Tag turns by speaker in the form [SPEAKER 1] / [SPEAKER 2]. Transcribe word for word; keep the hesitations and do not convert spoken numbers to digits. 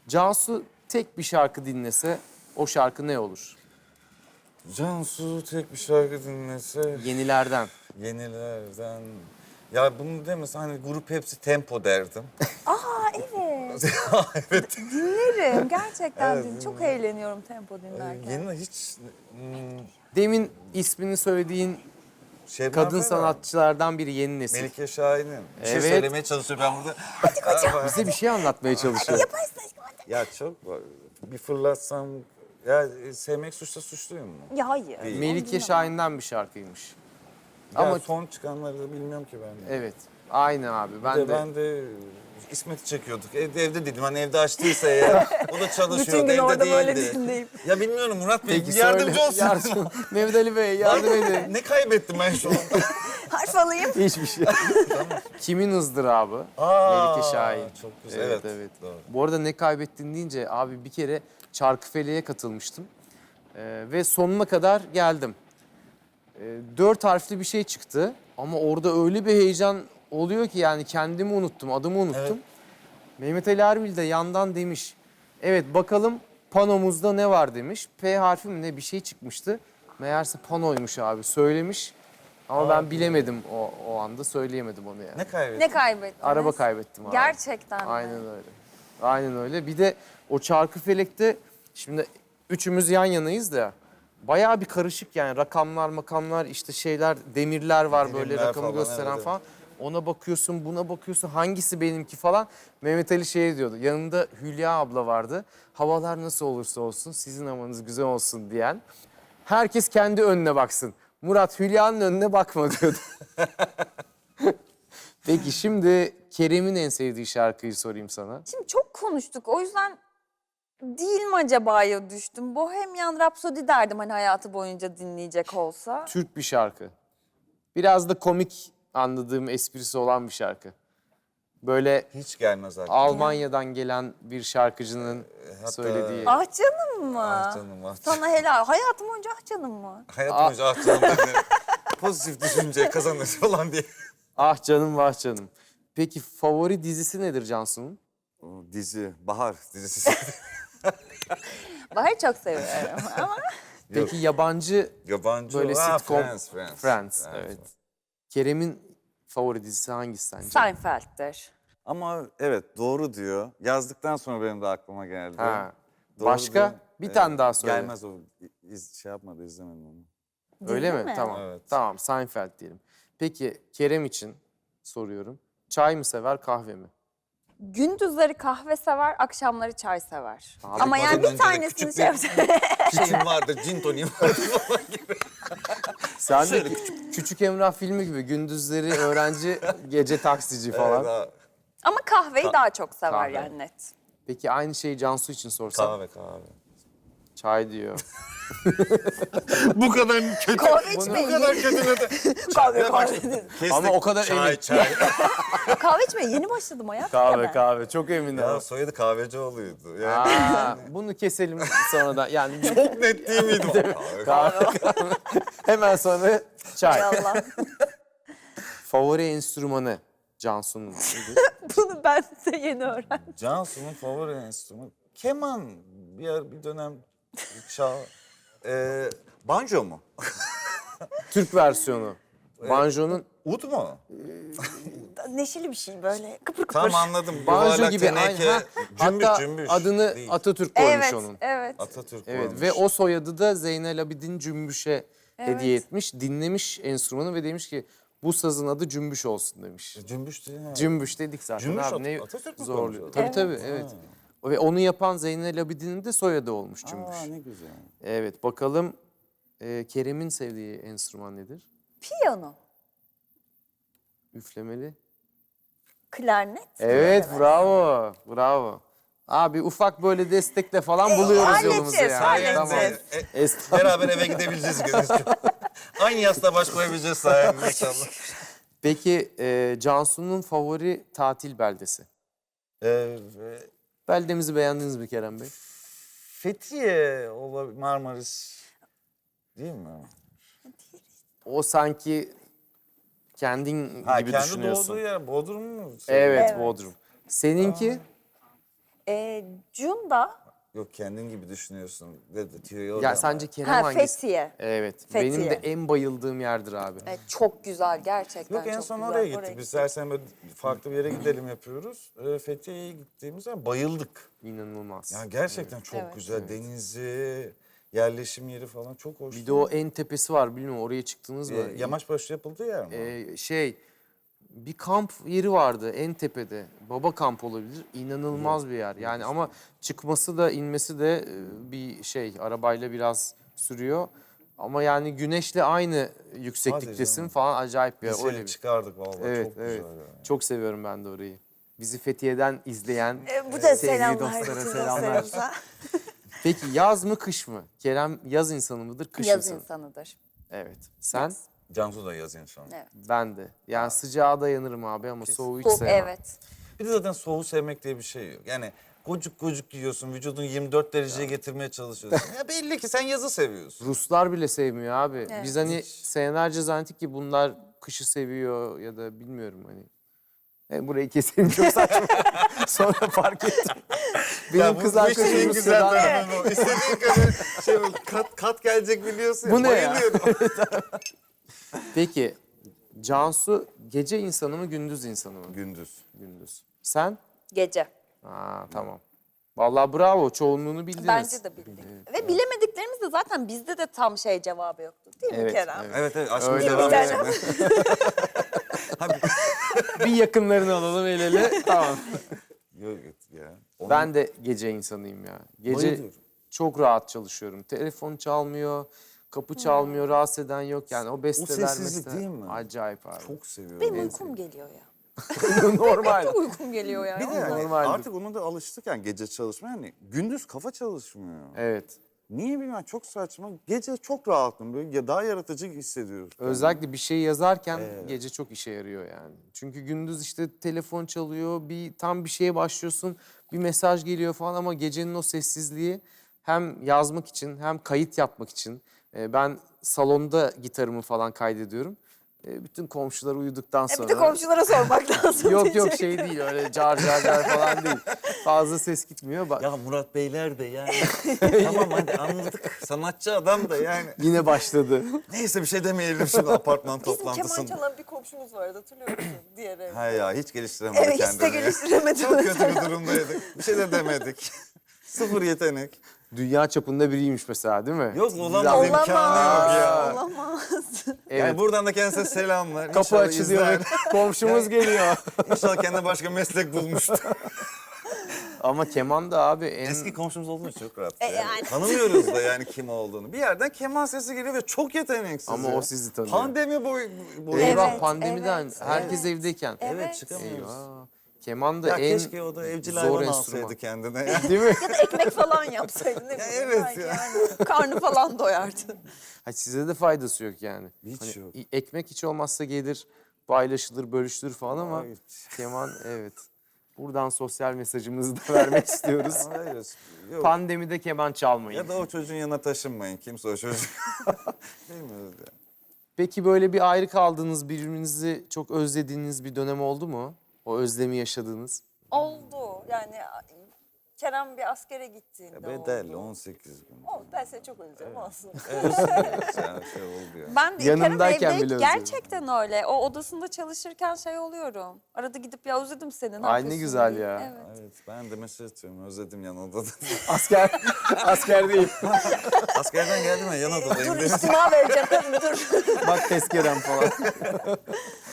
[SPEAKER 1] Cansu tek bir şarkı dinlese o şarkı ne olur?
[SPEAKER 2] Cansu tek bir şarkı dinlese
[SPEAKER 1] Yenilerden.
[SPEAKER 2] yenilerden. Ya bunu demese hani grup hepsi tempo derdim.
[SPEAKER 3] Aa evet.
[SPEAKER 2] Evet.
[SPEAKER 3] Dinlerim. Gerçekten
[SPEAKER 2] Evet,
[SPEAKER 3] din. Çok
[SPEAKER 2] dinlerim.
[SPEAKER 3] eğleniyorum tempo dinlerken.
[SPEAKER 2] Yeni hiç hmm,
[SPEAKER 1] Demin ismini söylediğin
[SPEAKER 2] Şebnem
[SPEAKER 1] kadın
[SPEAKER 2] Ferah,
[SPEAKER 1] sanatçılardan biri yeni nesil.
[SPEAKER 2] Melike Şahin'in. Bir şey
[SPEAKER 1] Evet.
[SPEAKER 2] söylemeye çalışıyor ben burada. Hadi kocam.
[SPEAKER 1] Bize bir şey anlatmaya çalışıyor.
[SPEAKER 3] Yaparsın aşkım hadi.
[SPEAKER 2] Ya çok var. Bir fırlatsam... Ya e, sevmek suçta suçluyum mu?
[SPEAKER 3] Ya hayır.
[SPEAKER 2] Değil.
[SPEAKER 1] Melike Şahin'den bir şarkıymış.
[SPEAKER 2] Ya
[SPEAKER 1] Ama
[SPEAKER 2] son çıkanları da bilmiyorum ki ben. de.
[SPEAKER 1] evet. Aynı abi. Ben
[SPEAKER 2] Ben de,
[SPEAKER 1] de.
[SPEAKER 2] ben de İsmet'i çekiyorduk. Evde evde dedim hani evde açtıysa ya. O da çalışıyordu,
[SPEAKER 3] Bütün gün
[SPEAKER 2] evde
[SPEAKER 3] orada böyle
[SPEAKER 2] değildi.
[SPEAKER 3] dinleyip.
[SPEAKER 2] Ya bilmiyorum Murat Bey,
[SPEAKER 1] Peki
[SPEAKER 2] yardımcı
[SPEAKER 1] söyle.
[SPEAKER 2] olsun.
[SPEAKER 1] Yardım. Mehmet Ali Bey yardım edin.
[SPEAKER 2] Ne kaybettim ben şu an?
[SPEAKER 3] Harf alayım.
[SPEAKER 1] Hiçbir şey. Kimin ızdırabı?
[SPEAKER 2] Aa,
[SPEAKER 1] Melike Şahin.
[SPEAKER 2] Çok güzel.
[SPEAKER 1] Evet,
[SPEAKER 2] Evet,
[SPEAKER 1] evet.
[SPEAKER 2] Doğru.
[SPEAKER 1] Bu arada ne kaybettin deyince abi bir kere Çarkıfele'ye katılmıştım. Ee, ve sonuna kadar geldim. Ee, dört harfli bir şey çıktı. Ama orada öyle bir heyecan oluyor ki yani kendimi unuttum, adımı unuttum.
[SPEAKER 2] Evet.
[SPEAKER 1] Mehmet Ali Erbil de yandan demiş. Evet bakalım panomuzda ne var demiş. P harfi mi ne bir şey çıkmıştı. Meğerse panoymuş abi söylemiş. Ama ben bilemedim o, o anda söyleyemedim onu yani.
[SPEAKER 2] Ne kaybettim?
[SPEAKER 3] Ne kaybettiniz?
[SPEAKER 1] Araba kaybettim abi.
[SPEAKER 3] Gerçekten mi?
[SPEAKER 1] Aynen öyle. Aynen öyle. Bir de o Çarkıfelek'te şimdi üçümüz yan yanayız da bayağı bir karışık yani rakamlar makamlar işte şeyler demirler var böyle
[SPEAKER 2] Demirler
[SPEAKER 1] rakamı
[SPEAKER 2] falan,
[SPEAKER 1] gösteren
[SPEAKER 2] evet,
[SPEAKER 1] falan. Ona bakıyorsun buna bakıyorsun hangisi benimki falan. Mehmet Ali şey diyordu yanında Hülya abla vardı. Havalar nasıl olursa olsun sizin havanız güzel olsun diyen. Herkes kendi önüne baksın. Murat Hülya'nın önüne bakma diyordu. Peki şimdi Kerem'in en sevdiği şarkıyı sorayım sana.
[SPEAKER 3] Şimdi çok konuştuk. O yüzden değil mi acaba'ya düştüm. Bohemian Rhapsody derdim hani hayatı boyunca dinleyecek olsa.
[SPEAKER 1] Türk bir şarkı. Biraz da komik anladığım esprisi olan bir şarkı. Böyle
[SPEAKER 2] Hiç gelmez aklıma.
[SPEAKER 1] Almanya'dan gelen bir şarkıcının
[SPEAKER 2] hatta-
[SPEAKER 1] söylediği.
[SPEAKER 3] Ah canım mı?
[SPEAKER 2] Ah canım, ah canım.
[SPEAKER 3] Sana helal. Hayatım boyunca ah canım mı?
[SPEAKER 2] Hayatım boyunca ah canım dedi. Pozitif düşünce kazanır falan diye.
[SPEAKER 1] Ah canım vah canım. Peki favori dizisi nedir Cansu'nun?
[SPEAKER 2] O dizi, Bahar dizisi.
[SPEAKER 3] Bahar'ı çok seviyorum ama
[SPEAKER 1] Peki yabancı
[SPEAKER 2] Yabancı
[SPEAKER 1] böyle
[SPEAKER 2] Ah,
[SPEAKER 1] sitcom.
[SPEAKER 2] Friends, Friends.
[SPEAKER 1] Friends, evet. Kerem'in favori dizisi hangisi sence?
[SPEAKER 3] Seinfeld'dir.
[SPEAKER 2] Ama evet doğru diyor. Yazdıktan sonra benim de aklıma geldi.
[SPEAKER 1] Ha.
[SPEAKER 2] Doğru
[SPEAKER 1] Başka?
[SPEAKER 2] diyor.
[SPEAKER 1] Bir tane daha söyle.
[SPEAKER 2] Gelmez o. İz, şey yapmadı, izlemedim onu.
[SPEAKER 1] Öyle
[SPEAKER 3] Dizi
[SPEAKER 1] mi?
[SPEAKER 3] mi?
[SPEAKER 1] Tamam.
[SPEAKER 2] Evet.
[SPEAKER 1] Tamam Seinfeld diyelim. Peki Kerem için soruyorum. Çay mı sever kahve mi?
[SPEAKER 3] Gündüzleri kahve sever, akşamları çay sever.
[SPEAKER 1] Abi,
[SPEAKER 3] Ama yani
[SPEAKER 2] bazen
[SPEAKER 3] bir
[SPEAKER 2] önce de
[SPEAKER 3] tanesini
[SPEAKER 2] küçük
[SPEAKER 3] şey
[SPEAKER 2] bir-
[SPEAKER 3] yapacağım.
[SPEAKER 2] Şeyim vardı, gin toniğim vardı falan gibi.
[SPEAKER 1] Sen de küçük, küçük Emrah filmi gibi gündüzleri öğrenci, gece taksici falan.
[SPEAKER 2] Evet, ha,
[SPEAKER 3] Ama kahveyi daha çok sever
[SPEAKER 1] kahve.
[SPEAKER 3] yani net.
[SPEAKER 1] Peki aynı şeyi Cansu için sorsam?
[SPEAKER 2] kahve kahve.
[SPEAKER 1] Çay diyor.
[SPEAKER 2] Bu kadar kötü.
[SPEAKER 3] Kahve
[SPEAKER 2] Bu
[SPEAKER 3] içmeyin.
[SPEAKER 2] kadar kötü ne de.
[SPEAKER 3] Kahve
[SPEAKER 2] Bak,
[SPEAKER 3] kahve.
[SPEAKER 2] kestik.
[SPEAKER 1] Ama o kadar
[SPEAKER 2] çay,
[SPEAKER 1] emin.
[SPEAKER 2] Çay
[SPEAKER 3] kahve içmeye yeni başladım hayatım ya
[SPEAKER 1] Kahve
[SPEAKER 3] ben.
[SPEAKER 1] kahve çok eminim.
[SPEAKER 2] Ya soyadı Kahvecioğlu'ydu. Yani
[SPEAKER 1] Aa, bunu keselim sonradan. Yani bir-
[SPEAKER 2] çok net değil miydi? Kahve,
[SPEAKER 1] kahve, kahve. Hemen sonra çay.
[SPEAKER 3] Hay Allah.
[SPEAKER 1] Favori enstrümanı Cansu'nun nedir?
[SPEAKER 3] Bunu ben de yeni öğrendim.
[SPEAKER 2] Cansu'nun favori enstrümanı keman. Bir yer, bir dönem çal. Ee, banjo mu?
[SPEAKER 1] Türk versiyonu. Banjo'nun
[SPEAKER 2] Ud mu?
[SPEAKER 3] Neşeli bir şey böyle kıpır kıpır.
[SPEAKER 2] Tam anladım.
[SPEAKER 1] banjo
[SPEAKER 2] Yuvarlak,
[SPEAKER 1] gibi.
[SPEAKER 2] teneke,
[SPEAKER 1] Aynen.
[SPEAKER 2] cümbüş
[SPEAKER 1] Hatta
[SPEAKER 2] cümbüş.
[SPEAKER 1] adını
[SPEAKER 2] Değil.
[SPEAKER 1] Atatürk koymuş
[SPEAKER 3] Evet,
[SPEAKER 1] onun.
[SPEAKER 3] evet.
[SPEAKER 2] Atatürk
[SPEAKER 1] Evet
[SPEAKER 2] koymuş.
[SPEAKER 1] ve o soyadı da Zeynel Abidin Cümbüş'e
[SPEAKER 3] Evet.
[SPEAKER 1] hediye etmiş. Dinlemiş enstrümanı ve demiş ki bu sazın adı Cümbüş olsun demiş.
[SPEAKER 2] Cümbüş değil mi?
[SPEAKER 1] Cümbüş dedik zaten
[SPEAKER 2] Cümbüş
[SPEAKER 1] abi
[SPEAKER 2] At-
[SPEAKER 1] ne
[SPEAKER 2] Atatürk mü
[SPEAKER 1] zorluyor.
[SPEAKER 2] koymuş
[SPEAKER 1] Tabii
[SPEAKER 3] onu?
[SPEAKER 1] tabii evet. Ve onu yapan Zeynel Abidin'in de soyadı olmuş Cümbüş.
[SPEAKER 2] Aa ne güzel.
[SPEAKER 1] Evet bakalım e, Kerem'in sevdiği enstrüman nedir?
[SPEAKER 3] Piyano,
[SPEAKER 1] Üflemeli.
[SPEAKER 3] klarnet.
[SPEAKER 1] Evet bravo bravo. Abi ufak böyle destekle falan buluyoruz
[SPEAKER 3] halledeceğiz,
[SPEAKER 1] yolumuzu yani.
[SPEAKER 3] halledeceğiz.
[SPEAKER 1] Tamam.
[SPEAKER 2] E,
[SPEAKER 1] Estağfurullah.
[SPEAKER 2] beraber eve gidebileceğiz. Gözüküyor. Aynı yastığa baş koyabileceğiz sayende inşallah.
[SPEAKER 1] Peki e, Cansu'nun favori tatil beldesi?
[SPEAKER 2] Ee,
[SPEAKER 1] Beldemizi beğendiniz mi Kerem Bey?
[SPEAKER 2] Fethiye olabilir, Marmaris değil mi?
[SPEAKER 1] O sanki kendin
[SPEAKER 2] Ha,
[SPEAKER 1] gibi
[SPEAKER 2] kendi
[SPEAKER 1] düşünüyorsun.
[SPEAKER 2] doğduğu yer Bodrum mu?
[SPEAKER 1] Evet,
[SPEAKER 3] Evet.
[SPEAKER 1] Bodrum. Seninki?
[SPEAKER 3] Ee, Cunda,
[SPEAKER 2] Yok kendin gibi düşünüyorsun dedi. Tüyoyu
[SPEAKER 1] Ya
[SPEAKER 2] oradan
[SPEAKER 1] sence
[SPEAKER 2] ver.
[SPEAKER 1] Kerem
[SPEAKER 3] ha,
[SPEAKER 1] hangisi?
[SPEAKER 3] Fethiye.
[SPEAKER 1] Evet.
[SPEAKER 3] Fethiye.
[SPEAKER 1] Benim de en bayıldığım yerdir abi.
[SPEAKER 3] Evet, çok güzel gerçekten.
[SPEAKER 2] Yok en
[SPEAKER 3] çok
[SPEAKER 2] son
[SPEAKER 3] güzel.
[SPEAKER 2] oraya gittik. Biz her sene böyle farklı bir yere gidelim yapıyoruz. Ee, Fethiye'ye gittiğimiz zaman bayıldık.
[SPEAKER 1] İnanılmaz.
[SPEAKER 2] Ya gerçekten çok
[SPEAKER 3] Evet.
[SPEAKER 2] güzel. Denizi, yerleşim yeri falan çok hoş.
[SPEAKER 1] Bir de o en tepesi var, bilmiyorum oraya çıktınız mı?
[SPEAKER 2] Ee, Yamaçbaşı yapıldığı yer mi?
[SPEAKER 1] Ee, şey, bir kamp yeri vardı en tepede. Baba kamp olabilir. İnanılmaz bir yer. Yani ama çıkması da inmesi de e, bir şey, arabayla biraz sürüyor. Ama yani güneşle aynı yüksekliktesin
[SPEAKER 2] canım.
[SPEAKER 1] falan, acayip bir yer.
[SPEAKER 2] Biz
[SPEAKER 1] Öyle
[SPEAKER 2] seni
[SPEAKER 1] bir.
[SPEAKER 2] çıkardık vallahi
[SPEAKER 1] Evet,
[SPEAKER 2] çok
[SPEAKER 1] evet.
[SPEAKER 2] güzel. Yani.
[SPEAKER 1] Çok seviyorum ben de orayı. Bizi Fethiye'den izleyen
[SPEAKER 3] Ee, bu da
[SPEAKER 1] sevgili
[SPEAKER 3] selamlar
[SPEAKER 1] dostlara
[SPEAKER 3] bütün
[SPEAKER 1] selamlar.
[SPEAKER 3] dostlarımıza.
[SPEAKER 1] Peki yaz mı kış mı? Kerem yaz insanı mıdır, kış
[SPEAKER 3] Yaz
[SPEAKER 1] insanı?
[SPEAKER 3] insanıdır.
[SPEAKER 1] Evet. Sen?
[SPEAKER 2] Cansu da yaz insanı.
[SPEAKER 3] Evet.
[SPEAKER 1] Ben de. Yani sıcağa dayanırım abi ama soğuğu hiç
[SPEAKER 3] Soğuk,
[SPEAKER 1] sevmem.
[SPEAKER 3] evet.
[SPEAKER 2] Bir de zaten soğuğu sevmek diye bir şey yok. Yani gocuk gocuk yiyorsun, vücudunu yirmi dört dereceye getirmeye çalışıyorsun. Ya belli ki sen yazı seviyorsun.
[SPEAKER 1] Ruslar bile sevmiyor abi.
[SPEAKER 3] Evet.
[SPEAKER 1] Biz hani senelerce zannettik ki bunlar kışı seviyor ya da bilmiyorum hani. E, burayı keselim, çok saçma. Sonra fark ettim. Benim kız arkadaşım
[SPEAKER 2] en güzel
[SPEAKER 1] Rusya'dan.
[SPEAKER 2] tarafı bu. İstediğin kadar şey böyle kat, kat gelecek biliyorsun.
[SPEAKER 1] Bu ne ya?
[SPEAKER 2] Bayılıyorum.
[SPEAKER 1] Peki Cansu gece insanı mı gündüz insanı mı?
[SPEAKER 2] Gündüz.
[SPEAKER 1] Gündüz. Sen?
[SPEAKER 3] Gece.
[SPEAKER 1] Aa tamam. Vallahi bravo, çoğunluğunu bildiniz.
[SPEAKER 3] Bence de bildik. Ve bilemediklerimiz de zaten bizde de tam şey cevabı yoktu. Değil mi
[SPEAKER 1] Evet,
[SPEAKER 3] Kerem?
[SPEAKER 1] evet.
[SPEAKER 2] Evet evet aşkım
[SPEAKER 1] Öyle
[SPEAKER 2] devam
[SPEAKER 3] bir
[SPEAKER 2] edelim.
[SPEAKER 1] Bir yakınlarını alalım el ele. Tamam.
[SPEAKER 2] Yok ya. Onun-
[SPEAKER 1] Ben de gece insanıyım ya. Gece
[SPEAKER 2] Bayılıyorum.
[SPEAKER 1] çok rahat çalışıyorum. Telefon çalmıyor, kapı çalmıyor, rahatsız eden yok. Yani o besteler
[SPEAKER 2] sessizlik
[SPEAKER 1] mesela-
[SPEAKER 2] değil mi?
[SPEAKER 1] Acayip abi.
[SPEAKER 2] çok seviyorum.
[SPEAKER 3] Benim
[SPEAKER 2] En
[SPEAKER 3] uykum geliyor ya.
[SPEAKER 1] Normal.
[SPEAKER 3] Çok uykum geliyor ya.
[SPEAKER 2] Bir de yani
[SPEAKER 1] Normaldir.
[SPEAKER 2] artık ona da alıştık yani gece çalışmaya. Yani gündüz kafa çalışmıyor.
[SPEAKER 1] Evet.
[SPEAKER 2] Niye bilmiyorum çok saçma. Gece çok rahatım böyle ya daha yaratıcı hissediyoruz.
[SPEAKER 1] Özellikle bir şey yazarken gece çok işe yarıyor yani. Çünkü gündüz işte telefon çalıyor, bir tam bir şeye başlıyorsun, bir mesaj geliyor falan ama gecenin o sessizliği hem yazmak için hem kayıt yapmak için. e, Ben salonda gitarımı falan kaydediyorum. E, Bütün komşular uyuduktan
[SPEAKER 3] E
[SPEAKER 1] sonra.
[SPEAKER 3] bir de komşulara sormak lazım.
[SPEAKER 1] Yok yok
[SPEAKER 3] diyecek.
[SPEAKER 1] şey değil, öyle car car car falan değil. Fazla ses gitmiyor. Bak
[SPEAKER 2] Ya Murat Beyler de yani. Tamam hadi anladık. Sanatçı adam da yani.
[SPEAKER 1] yine başladı.
[SPEAKER 2] Neyse bir şey demeyelim şimdi apartman
[SPEAKER 3] Bizim keman
[SPEAKER 2] toplantısında.
[SPEAKER 3] çalan bir komşumuz vardı, hatırlıyor musun? Diğer evde.
[SPEAKER 2] Ha ya hiç geliştiremedi
[SPEAKER 3] Evet, hiç de
[SPEAKER 2] kendini.
[SPEAKER 3] geliştiremedi
[SPEAKER 2] Çok kötü
[SPEAKER 3] mesela.
[SPEAKER 2] bir durumdaydık. Bir şey de demedik. Sıfır yetenek.
[SPEAKER 1] Dünya çapında biriymiş mesela, değil mi?
[SPEAKER 2] Yok
[SPEAKER 1] Güzel.
[SPEAKER 2] olamaz
[SPEAKER 3] Olamaz.
[SPEAKER 2] imkanı yok ya.
[SPEAKER 3] Olamaz.
[SPEAKER 1] Evet.
[SPEAKER 2] Yani buradan da kendisine selamlar.
[SPEAKER 1] Kapı
[SPEAKER 2] İnşallah
[SPEAKER 1] açılıyor,
[SPEAKER 2] izler.
[SPEAKER 1] komşumuz geliyor.
[SPEAKER 2] İnşallah kendine başka meslek bulmuştur.
[SPEAKER 1] Ama keman da abi en...
[SPEAKER 2] Eski komşumuz olduğu için çok rahat.
[SPEAKER 3] E
[SPEAKER 2] yani.
[SPEAKER 3] yani.
[SPEAKER 2] Tanımıyoruz da yani kim olduğunu. Bir yerden keman sesi geliyor ve çok yeteneksiz.
[SPEAKER 1] Ama
[SPEAKER 2] ya.
[SPEAKER 1] o sizi tanıyor.
[SPEAKER 2] Pandemi boy, boyu.
[SPEAKER 1] Eyvah,
[SPEAKER 3] Evet,
[SPEAKER 1] pandemiden
[SPEAKER 3] evet,
[SPEAKER 1] herkes
[SPEAKER 3] evet.
[SPEAKER 1] evdeyken.
[SPEAKER 2] Evet,
[SPEAKER 3] Evet.
[SPEAKER 2] çıkamıyoruz.
[SPEAKER 1] Eyvah. Keman da
[SPEAKER 2] Ya
[SPEAKER 1] en
[SPEAKER 2] keşke o da evcil
[SPEAKER 1] zor
[SPEAKER 2] hayvan
[SPEAKER 1] enstrüman.
[SPEAKER 2] alsaydı kendine. Yani.
[SPEAKER 1] Değil mi?
[SPEAKER 3] Ya da ekmek falan yapsaydı, ne bileyim.
[SPEAKER 2] evet
[SPEAKER 3] belki
[SPEAKER 2] ya.
[SPEAKER 3] Yani. Karnı falan doyardı.
[SPEAKER 1] Ha, size de faydası yok yani.
[SPEAKER 2] Hiç yok.
[SPEAKER 1] i- Ekmek hiç olmazsa gelir, paylaşılır, bölüştürür falan ama
[SPEAKER 2] Evet.
[SPEAKER 1] keman evet. Buradan sosyal mesajımızı da vermek istiyoruz.
[SPEAKER 2] Hayır, yok.
[SPEAKER 1] Pandemide keman çalmayın.
[SPEAKER 2] Ya da o çocuğun yanına taşınmayın. Kimse o çocuk. Bilmiyoruz ya.
[SPEAKER 1] Peki böyle bir ayrı kaldığınız, birbirinizi çok özlediğiniz bir dönem oldu mu? O özlemi yaşadığınız.
[SPEAKER 3] Oldu. Yani Kerem bir askere gittiğinde
[SPEAKER 2] Ya bedel
[SPEAKER 3] oldu.
[SPEAKER 2] on sekiz gün.
[SPEAKER 3] Oldu. Ben seni çok özlüyorum olsun.
[SPEAKER 2] Özlüyoruz yani şey oldu ya.
[SPEAKER 3] Ben de
[SPEAKER 1] Yanımdayken
[SPEAKER 3] Kerem evde
[SPEAKER 1] bile özlüyorum.
[SPEAKER 3] gerçekten öyle. O odasında çalışırken şey oluyorum. Arada gidip ya özledim seni. Ne
[SPEAKER 1] Ay, ne
[SPEAKER 3] yapıyorsun
[SPEAKER 1] güzel
[SPEAKER 3] diye.
[SPEAKER 1] ya.
[SPEAKER 3] Evet.
[SPEAKER 2] Evet ben de mesaj atıyorum. Özledim yan odada.
[SPEAKER 1] Asker, asker değil.
[SPEAKER 2] Askerden geldim ya yan odadayım.
[SPEAKER 3] Dur
[SPEAKER 2] dedim.
[SPEAKER 3] istima vereceğim kadın dur.
[SPEAKER 1] Bak tezkerem falan.